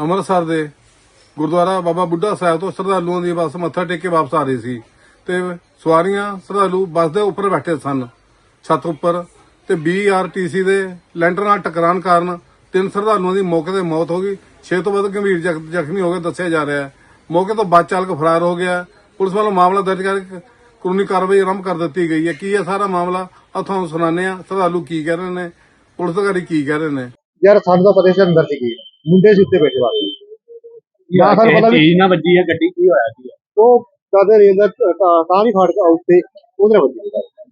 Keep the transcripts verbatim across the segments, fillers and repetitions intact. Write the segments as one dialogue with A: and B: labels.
A: ਅੰਮ੍ਰਿਤਸਰ ਦੇ ਗੁਰਦੁਆਰਾ ਬਾਬਾ ਬੁੱਢਾ ਸਾਹਿਬ ਤੋਂ ਸ਼ਰਧਾਲੂਆਂ ਦੀ ਬੱਸ ਮੱਥਾ ਟੇਕ ਕੇ ਵਾਪਸ ਆ ਰਹੀ ਸੀ ਤੇ ਸਵਾਰੀਆਂ ਸ਼ਰਧਾਲੂ ਬੱਸ ਦੇ ਉੱਪਰ ਬੈਠੇ ਸਨ, ਛੱਤ ਉੱਪਰ, ਤੇ ਬੀ ਆਰ ਟੀ ਸੀ ਦੇ ਲੈਂਟਰ ਨਾਲ ਟਕਰਾਉਣ ਕਾਰਨ ਤਿੰਨ ਸ਼ਰਧਾਲੂਆਂ ਦੀ ਮੌਕੇ ਤੇ ਮੌਤ ਹੋ ਗਈ। ਛੇ ਤੋਂ ਵੱਧ ਗੰਭੀਰ ਜ਼ਖਮੀ ਹੋ ਗਏ ਦੱਸਿਆ ਜਾ ਰਿਹਾ ਹੈ। ਮੌਕੇ ਤੋਂ ਬੱਸ ਚਾਲਕ ਫਰਾਰ ਹੋ ਗਿਆ। ਪੁਲਿਸ ਵੱਲੋਂ ਮਾਮਲਾ ਦਰਜ ਕਰਕੇ ਕਾਨੂੰਨੀ ਕਾਰਵਾਈ ਆਰੰਭ ਕਰ ਦਿੱਤੀ ਗਈ ਹੈ। ਕੀ ਹੈ ਸਾਰਾ ਮਾਮਲਾ ਆ ਤੁਹਾਨੂੰ ਸੁਣਾਉਂਦੇ ਆ। ਸ਼ਰਧਾਲੂ ਕੀ ਕਹਿ ਰਹੇ ਨੇ, ਪੁਲਿਸ ਅਧਿਕਾਰੀ ਕੀ ਕਹਿ ਰਹੇ ਨੇ।
B: ਯਾਰ ਸਾਨੂੰ ਤਾਂ ਪਤਾ ਸੀ ਅੰਦਰ ਸੀਗੀ, ਮੁੰਡੇ ਸੀ ਉੱਤੇ ਬੈਠੇ ਵਾਲੇ ਨਾ ਸਾਨੂੰ ਪਤਾ ਵੀ
C: ਚੀਜ਼ ਨਾ ਵੱਜੀ ਹੈ ਗੱਡੀ, ਕੀ ਹੋਇਆ ਸੀ
B: ਉਹ ਕਦੇ ਨਹੀਂ ਅੰਦਰ ਤਾਂ ਨਹੀਂ ਫੜ ਕੇ ਉੱਤੇ ਉਹਦੇ ਵੱਜੀ।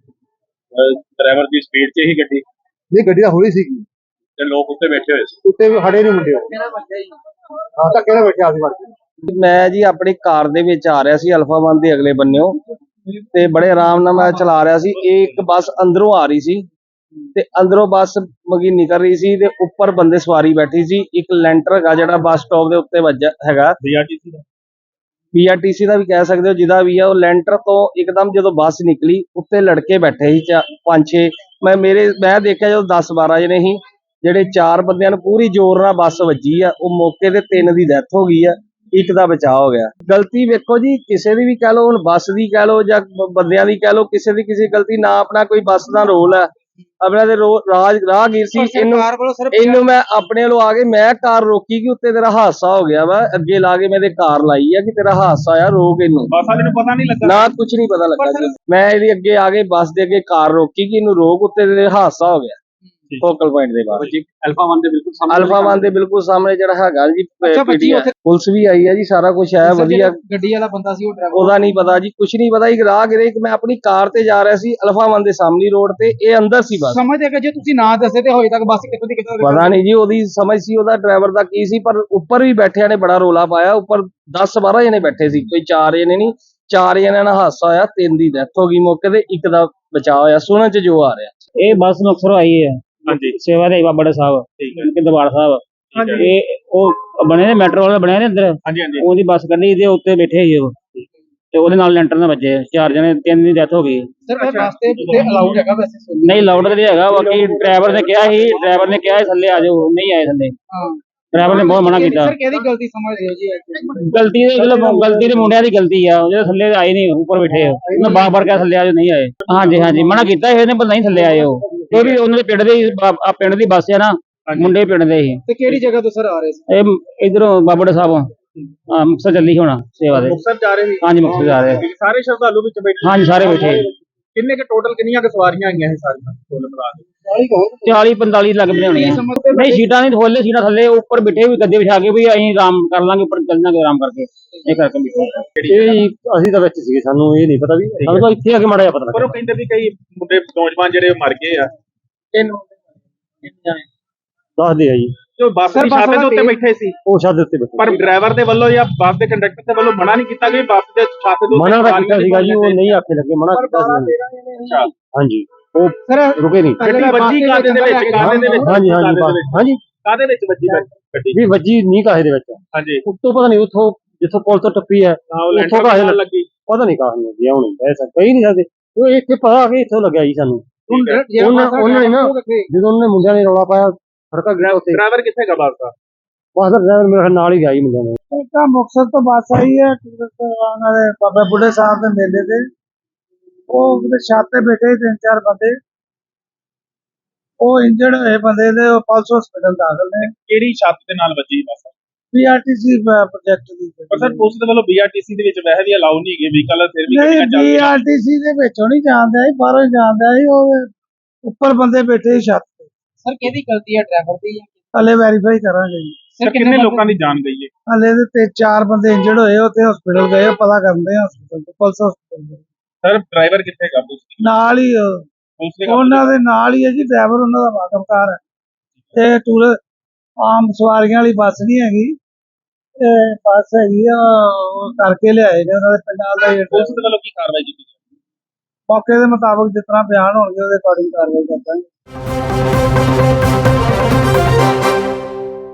C: ਡਰਾਈਵਰ ਦੀ ਸਪੀਡ 'ਚ ਹੀ ਗੱਡੀ,
B: ਨਹੀਂ ਗੱਡੀ ਤਾਂ ਹੌਲੀ ਸੀਗੀ
C: ਤੇ ਲੋਕ ਉੱਤੇ ਬੈਠੇ ਹੋਏ ਸੀ।
B: ਉੱਤੇ ਵੀ ਖੜੇ ਨਹੀਂ ਮੁੰਡੇ ਹਾਂ ਤਾਂ ਕਿਹੜਾ ਬੈਠਿਆ ਸੀ ਵੜ ਕੇ।
D: ਮੈਂ ਜੀ ਆਪਣੀ ਕਾਰ ਦੇ ਵਿੱਚ ਆ ਰਿਹਾ ਸੀ ਅਲਫਾ ਵਨ ਦੇ ਅਗਲੇ ਬੰਨਿਓ ਤੇ ਬੜੇ ਆਰਾਮ ਨਾਲ ਮੈਂ ਚਲਾ ਰਿਹਾ ਸੀ। ਇਹ ਇੱਕ ਬੱਸ ਅੰਦਰੋਂ ਆ ਰਹੀ ਸੀ ਤੇ ਅੰਦਰੋਂ ਬੱਸ ਮਗੀ ਨਿਕਲ ਰਹੀ ਸੀ ਤੇ ਉੱਪਰ ਬੰਦੇ ਸਵਾਰੀ ਬੈਠੀ ਸੀ। ਇੱਕ ਲੈਂਟਰ ਹੈਗਾ ਜਿਹੜਾ ਬੱਸ ਸਟਾਪ ਦੇ ਉੱਤੇ ਵੱਜਾ ਹੈਗਾ,
C: ਬੀ ਆਰ ਟੀ ਸੀ ਦਾ
D: ਬੀ ਆਰ ਟੀ ਸੀ ਦਾ ਵੀ ਕਹਿ ਸਕਦੇ ਹੋ, ਜਿਹਦਾ ਵੀ ਆ। ਉਹ ਲੈਂਟਰ ਤੋਂ ਇੱਕਦਮ ਜਦੋਂ ਬੱਸ ਨਿਕਲੀ ਉੱਤੇ ਲੜਕੇ ਬੈਠੇ ਸੀ ਪੰਜ ਛੇ। ਮੈਂ ਮੇਰੇ ਮੈਂ ਦੇਖਿਆ ਜਦੋਂ ਦਸ ਬਾਰਾਂ ਜਣੇ ਸੀ, ਜਿਹੜੇ ਚਾਰ ਬੰਦਿਆਂ ਨੂੰ ਪੂਰੀ ਜ਼ੋਰ ਨਾਲ ਬੱਸ ਵੱਜੀ ਆ। ਉਹ ਮੌਕੇ ਤੇ ਤਿੰਨ ਦੀ ਡੈਥ ਹੋ ਗਈ ਆ, ਇੱਕ ਦਾ ਬਚਾਅ ਹੋ ਗਿਆ। ਗਲਤੀ ਵੇਖੋ ਜੀ, ਕਿਸੇ ਦੀ ਵੀ ਕਹਿ ਲਓ, ਹੁਣ ਬੱਸ ਦੀ ਕਹਿ ਲਓ ਜਾਂ ਬੰਦਿਆਂ ਦੀ ਕਹਿ ਲਓ, ਕਿਸੇ ਦੀ ਕਿਸੇ ਗਲਤੀ ਨਾ। ਆਪਣਾ ਕੋਈ ਬੱਸ ਦਾ ਰੋਲ ਹੈ, ਆਪਣਾ ਤੇ ਰਾਜ ਰਾਹਗੀਰ ਸੀ। ਇਹਨੂੰ ਇਹਨੂੰ ਮੈਂ ਆਪਣੇ ਵੱਲੋਂ ਆ ਕੇ ਮੈਂ ਕਾਰ ਰੋਕੀ ਕਿ ਉੱਤੇ ਤੇਰਾ ਹਾਦਸਾ ਹੋ ਗਿਆ ਵਾ, ਅੱਗੇ ਲਾ ਕੇ ਮੈਂ ਤੇ ਕਾਰ ਲਾਈ ਆ ਕਿ ਤੇਰਾ ਹਾਦਸਾ ਆ, ਰੋਕ ਇਹਨੂੰ।
C: ਬੱਸ ਵਾਲੇ ਨੂੰ ਪਤਾ ਨਹੀਂ ਲੱਗਾ
D: ਨਾ, ਕੁਝ ਨਹੀਂ ਪਤਾ ਲੱਗਾ ਜੀ। ਮੈਂ ਇਹਦੇ ਅੱਗੇ ਆ ਕੇ ਬੱਸ ਦੇ ਅੱਗੇ ਕਾਰ ਰੋਕੀ ਕਿ ਇਹਨੂੰ ਰੋਕ, ਉੱਤੇ ਤੇਰੇ ਹਾਦਸਾ ਹੋ ਗਿਆ। ਫੋਕਲ ਪੁਆਇੰਟ ਦੇ ਬਾਅਦ
C: ਅਲਫਾ ਵਨ ਦੇ ਬਿਲਕੁਲ ਸਾਹਮਣੇ,
D: ਅਲਫਾ ਵਨ ਦੇ ਬਿਲਕੁਲ ਸਾਹਮਣੇ ਜਿਹੜਾ ਹੈਗਾ ਜੀ ਪੀਡੀਆ। ਪੁਲਿਸ ਵੀ ਆਈ ਹੈ ਜੀ, ਸਾਰਾ ਕੁਝ ਹੈ ਵਧੀਆ।
E: ਗੱਡੀ ਵਾਲਾ ਬੰਦਾ ਸੀ ਉਹ ਡਰਾਈਵਰ,
D: ਉਹਦਾ ਨਹੀਂ ਪਤਾ ਜੀ, ਕੁਝ ਨਹੀਂ ਪਤਾ। ਇੱਕ ਰਾਹਗੀਰ, ਇੱਕ ਮੈਂ ਆਪਣੀ ਕਾਰ ਤੇ ਜਾ ਰਿਹਾ ਸੀ ਅਲਫਾ ਵਨ ਦੇ ਸਾਹਮਣੇ ਰੋਡ ਤੇ, ਇਹ ਅੰਦਰ ਸੀ ਬੱਸ।
E: ਸਮਝਦੇ ਕਿ ਜੇ ਤੁਸੀਂ ਨਾ ਦੱਸੇ ਤੇ ਹੋਏ ਤੱਕ ਬੱਸ ਕਿੱਥੋਂ ਦੀ ਕਿੱਥੋਂ
D: ਪਤਾ ਨਹੀਂ ਜੀ ਉਹਦੀ ਸਮਝ ਸੀ, ਉਹਦਾ ਡਰਾਈਵਰ ਦਾ ਕੀ ਸੀ। ਪਰ ਉੱਪਰ ਵੀ ਬੈਠਿਆਂ ਨੇ ਬੜਾ ਰੋਲਾ ਪਾਇਆ। ਉੱਪਰ ਦਸ ਬਾਰਾਂ ਜਣੇ ਬੈਠੇ ਸੀ, ਕੋਈ ਚਾਰ ਜਣੇ ਨਹੀਂ, ਚਾਰ ਜਣਿਆਂ ਨਾਲ ਹਾਦਸਾ ਹੋਇਆ। ਤਿੰਨ ਦੀ ਡੈਥ ਹੋ ਗਈ ਮੌਕੇ ਤੇ, ਇੱਕ ਦਾ ਬਚਾਅ ਹੋਇਆ। ਸੁਣਨ ਚ ਜੋ ਆ ਰਿਹਾ।
F: ਇਹ ਬੱਸ ਮੁਕਤਸਰੋਂ ਆਈ ਹੈ,
C: ਹਾਂਜੀ,
F: ਸੇਵਾ ਦੇ ਬਾਬਾ ਸਾਹਿਬ,
C: ਠੀਕ ਹੈ,
F: ਕਿ ਦਰਬਾਰ ਸਾਹਿਬ। ਇਹ ਉਹ ਬਣੇ ਨੇ ਮੈਟਰੋ ਵਾਲੇ ਬਣੇ ਨੇ ਅੰਦਰ,
C: ਹਾਂਜੀ ਹਾਂਜੀ,
F: ਉਹਦੀ ਬੱਸ ਕੱਢੀ ਤੇ ਉੱਤੇ ਬੈਠੇ ਸੀ ਉਹ, ਤੇ ਉਹਦੇ ਨਾਲ ਲੈਂਟਰ ਨਾਲ ਵੱਜੇ ਚਾਰ ਜਣੇ, ਤਿੰਨ ਦੀ ਡੈਥ ਹੋ ਗਈ।
E: ਸਰ ਇਹ ਵਾਸਤੇ ਤੇ ਅਲਾਉਡ ਹੈਗਾ ਵੈਸੇ?
F: ਨਹੀਂ ਲਾਊਡ ਤੇ ਹੈਗਾ, ਬਾਕੀ ਡਰਾਈਵਰ ਨੇ ਕਿਹਾ ਸੀ, ਡਰਾਈਵਰ ਨੇ ਕਿਹਾ ਥੱਲੇ ਆ ਜਾਓ, ਨਹੀਂ ਆਏ ਥੱਲੇ।
E: ਹਾਂ,
F: ਡਰਾਈਵਰ ਨੇ ਬਹੁਤ ਮਨਾ ਕੀਤਾ।
E: ਸਰ ਕਿਹਦੀ ਗਲਤੀ ਸਮਝਦੇ ਹੋ ਜੀ?
F: ਗਲਤੀ ਦੇ ਚਲੋ ਗਲਤੀ ਦੇ ਮੁੰਡਿਆਂ ਦੀ ਗਲਤੀ ਆ, ਜਿਹੜੇ ਥੱਲੇ ਆਏ ਨਹੀਂ, ਉੱਪਰ ਬੈਠੇ ਆ। ਉਹਨੇ ਬਾਰ ਬਾਰ ਕਿਹਾ ਥੱਲੇ ਆ ਜਾਓ, ਨਹੀਂ ਆਏ। ਹਾਂਜੀ ਹਾਂਜੀ, ਮਨਾ ਕੀਤਾ ਇਹਨੇ, ਪਰ ਨਹੀਂ ਥੱਲੇ ਆਏ ਉਹ। ਉਹ ਵੀ ਉਹਨਾਂ ਦੇ ਪਿੰਡ ਦੇ ਆ, ਪਿੰਡ ਦੀ ਬੱਸ ਆ ਨਾ, ਮੁੰਡੇ ਪਿੰਡ ਦੇ ਹੀ।
E: ਤੇ ਕਿਹੜੀ ਜਗ੍ਹਾ ਤੋਂ ਸਰ ਆ ਰਹੇ ਸੀ?
F: ਇਹ ਇਧਰੋਂ ਬਾਬਾ ਸਾਹਿਬ ਹਾਂ, ਮੁਕਤਸਰ ਚੱਲੀ ਹੋਣਾ ਸੇਵਾ ਦੇ।
C: ਮੁਕਤਸਰ ਜਾ ਰਹੇ ਸੀ?
F: ਹਾਂਜੀ, ਮੁਕਤਸਰ ਜਾ ਰਹੇ।
C: ਸਾਰੇ ਸ਼ਰਧਾਲੂ ਵਿੱਚ ਬੈਠੇ?
F: ਹਾਂਜੀ, ਸਾਰੇ ਬੈਠੇ।
C: ਕਿੰਨੇ ਕੁ ਟੋਟਲ ਕਿੰਨੀਆਂ ਕੁ ਸਵਾਰੀਆਂ ਆਈਆਂ ਇਹ ਸਾਰੀਆਂ ਟੋਲ ਮਿਲਾ ਕੇ?
F: ਚਾਲੀ ਪੰਤਾਲੀ ਲੱਗ ਪਏ ਹੋਣੇ। ਨਹੀਂ, ਸੀਟਾਂ ਨਹੀਂ ਖੋਲੇ, ਸੀਟਾਂ ਥੱਲੇ ਉੱਪਰ ਬਿਠੇ ਵੀ, ਗੱਦੇ ਵਿਛਾ ਕੇ ਵੀ ਅਸੀਂ ਆਰਾਮ ਕਰ ਲਾਂਗੇ, ਉੱਪਰ ਚੱਲ ਜਾਾਂਗੇ ਆਰਾਮ ਕਰਕੇ। ਇਹ ਕਰਕੇ ਬਿਠੇ
B: ਇਹ ਅਸੀਂ ਤਾਂ ਵਿੱਚ ਸੀਗੇ, ਸਾਨੂੰ ਇਹ ਨਹੀਂ ਪਤਾ ਵੀ, ਸਾਨੂੰ ਤਾਂ ਇੱਥੇ ਆ ਕੇ ਮਾੜਾ ਜਿਹਾ ਪਤਾ
C: ਪਰ
B: ਲੱਗਾ।
C: ਉਹ ਕਹਿੰਦੇ ਵੀ ਕਈ ਮੁੰਡੇ ਨੌਜਵਾਨ ਜਿਹੜੇ ਮਰ ਗਏ ਆ।
B: ਦੱਸਦੇ ਆ ਜੀ,
C: ਜੋ ਬੱਸ ਦੀ ਛੱਤ ਦੇ ਉੱਤੇ ਬੈਠੇ ਸੀ,
B: ਉਹ ਛੱਤ ਦੇ ਉੱਤੇ ਬੈਠੇ।
C: ਪਰ ਡਰਾਈਵਰ ਦੇ ਵੱਲੋਂ ਜਾਂ ਬੱਸ ਦੇ ਕੰਡਕਟਰ ਦੇ ਵੱਲੋਂ ਮਨਾ ਨਹੀਂ ਕੀਤਾ ਕਿ ਬੱਸ ਦੇ ਛੱਤ ਦੇ ਉੱਤੇ
B: ਮਨਾ ਤਾਂ ਕੀਤਾ ਸੀਗਾ ਜੀ, ਉਹ ਨਹੀਂ ਆਖੇ ਲੱਗੇ, ਮਨਾ ਕੀਤਾ ਸੀ।
C: ਅੱਛਾ,
B: ਹਾਂਜੀ, ਉਹ
E: ਸਰ
B: ਰੁਕੇ ਨਹੀਂ।
C: ਗੱਡੀ ਵੱਜੀ ਕਾਹਦੇ ਦੇ ਵਿੱਚ? ਕਾਹਦੇ ਦੇ ਵਿੱਚ?
B: ਹਾਂਜੀ ਹਾਂਜੀ ਹਾਂਜੀ,
C: ਕਾਹਦੇ ਵਿੱਚ ਵੱਜੀ ਗੱਡੀ?
B: ਵੀ ਵੱਜੀ ਨਹੀਂ ਕਾਹੇ ਦੇ ਵਿੱਚ।
C: ਹਾਂਜੀ,
B: ਉੱਤੋਂ ਪਤਾ ਨਹੀਂ, ਉੱਥੋਂ ਜਿੱਥੋਂ ਪੁਲ ਤੋਂ ਟੱਪੀ ਹੈ ਉੱਥੋਂ ਕਾਹੇ
C: ਲੱਗੀ,
B: ਪਤਾ ਨਹੀਂ ਕਾਹੇ ਲੱਗੀ। ਹੁਣ ਐਸਾ ਕਹੀ ਨਹੀਂ ਸਕਦੇ, ਉਹ ਇੱਥੇ ਪਤਾ ਕਿ ਇੱਥੋਂ ਲੱਗਿਆ ਜੀ ਸਾਨੂੰ। ਉਹਨਾਂ ਉਹਨਾਂ ਨੇ ਨਾ, ਜਦੋਂ ਉਹਨਾਂ ਨੇ ਮੁੰਡਿਆਂ ਨੇ ਰੌਲਾ ਪਾਇਆ, ਸੜਕਾਂ ਗਿਆ ਉੱਤੇ।
C: ਡਰਾਈਵਰ ਕਿੱਥੇ ਗਾ ਬੱਸ ਦਾ?
B: ਬੱਸ ਦਾ ਡਰਾਈਵਰ ਮੇਰੇ ਨਾਲ ਹੀ ਗਿਆ ਜੀ ਮੁੰਡਿਆਂ ਨੇ।
E: ਇੱਕ ਤਾਂ ਮੁਕਤਸਰ ਤੋਂ ਬੱਸ ਆਈ ਹੈ ਉਹਨਾਂ ਦੇ ਬਾਬਾ ਬੁੱਢੇ ਸਾਹਿਬ ਦੇ ਮੇਲੇ ਤੇ, ਉਹ ਉਹਦੇ ਛੱਤ ਤੇ ਬੈਠੇ ਤਿੰਨ ਚਾਰ ਬੰਦੇ, ਉਹ ਇੰਜਰਡ ਹੋਏ ਬੰਦੇ ਦੇ ਪਲਸ ਹਸਪੀਟਲ ਦਾਖਲ ਨੇ।
C: ਕਿਹੜੀ ਛੱਤ ਦੇ ਨਾਲ ਵੱਜੀ bus?
E: B R T C project ਦੀ।
C: ਪਰ ਸਰ ਪੁਲਿਸ ਦੇ ਵੱਲੋਂ ਬੀ ਆਰ ਟੀ ਸੀ ਦੇ ਵਿੱਚ ਵੈਸੇ ਵੀ ਅਲਾਉ ਨਹੀਂ ਹੈਗੇ ਵਹੀਕਲ, ਫਿਰ ਵੀ
E: ਨਹੀਂ,
C: ਗੱਡੀਆਂ
E: ਬੀ
C: ਚੱਲਦੀਆਂ।
E: ਆਰ ਟੀ ਸੀ ਦੇ ਵਿੱਚੋਂ ਨਹੀਂ ਜਾਣਦਾ ਸੀ, ਬਾਹਰੋਂ ਜਾਣਦਾ ਸੀ। ਉਹ ਉੱਪਰ ਬੰਦੇ ਬੈਠੇ ਸੀ ਛੱਤ ਤੇ। ਸਰ ਕਿਹਦੀ ਗਲਤੀ ਹੈ, ਡਰਾਈਵਰ ਦੀ? ਹਲੇ ਵੈਰੀਫਾਈ ਕਰਾਂਗੇ ਜੀ।
C: ਸਰ ਕਿੰਨੇ ਲੋਕਾਂ ਦੀ ਜਾਨ ਗਈ ਹੈ?
E: ਹਲੇ ਤੇ ਚਾਰ ਬੰਦੇ ਇੰਜਰਡ ਹੋਏ, ਉੱਥੇ ਹਸਪੀਟਲ ਗਏ, ਪਤਾ ਕਰਦੇ ਆ ਹਸਪੀਟਲ ਤੋਂ, ਪਲਸ ਹਸਪੀਟਲ
C: ਸਰ ਡਰਾਈਵਰ ਕਿੱਥੇ ਗਾ? ਪੁਲਿਸ
E: ਨਾਲ ਹੀ
C: ਪੁਲਿਸ ਦੇ
E: ਉਹਨਾਂ ਦੇ ਨਾਲ ਹੀ ਹੈ ਜੀ, ਡਰਾਈਵਰ ਉਹਨਾਂ ਦਾ ਵਾਕਫਕਾਰ ਹੈ। ਤੇ ਟੂਰ ਆਮ ਸਵਾਰੀਆਂ ਵਾਲੀ ਬੱਸ ਨਹੀਂ ਹੈਗੀ, ਇਹ ਬੱਸ ਹੈਗੀ ਆ, ਉਹ ਕਰਕੇ ਲਿਆਏ ਨੇ ਉਹਨਾਂ ਦੇ ਪਿੰਡਾਂ ਦਾ।
C: ਪੁਲਿਸ ਦੇ ਵੱਲੋਂ ਕੀ ਕਾਰਵਾਈ ਕੀਤੀ?
E: ਮੌਕੇ ਦੇ ਮੁਤਾਬਕ ਜਿਸ ਤਰ੍ਹਾਂ ਬਿਆਨ ਹੋਣਗੇ ਉਹਦੇ ਅਕੋਰਡਿੰਗ ਕਾਰਵਾਈ ਕਰਾਂਗੇ।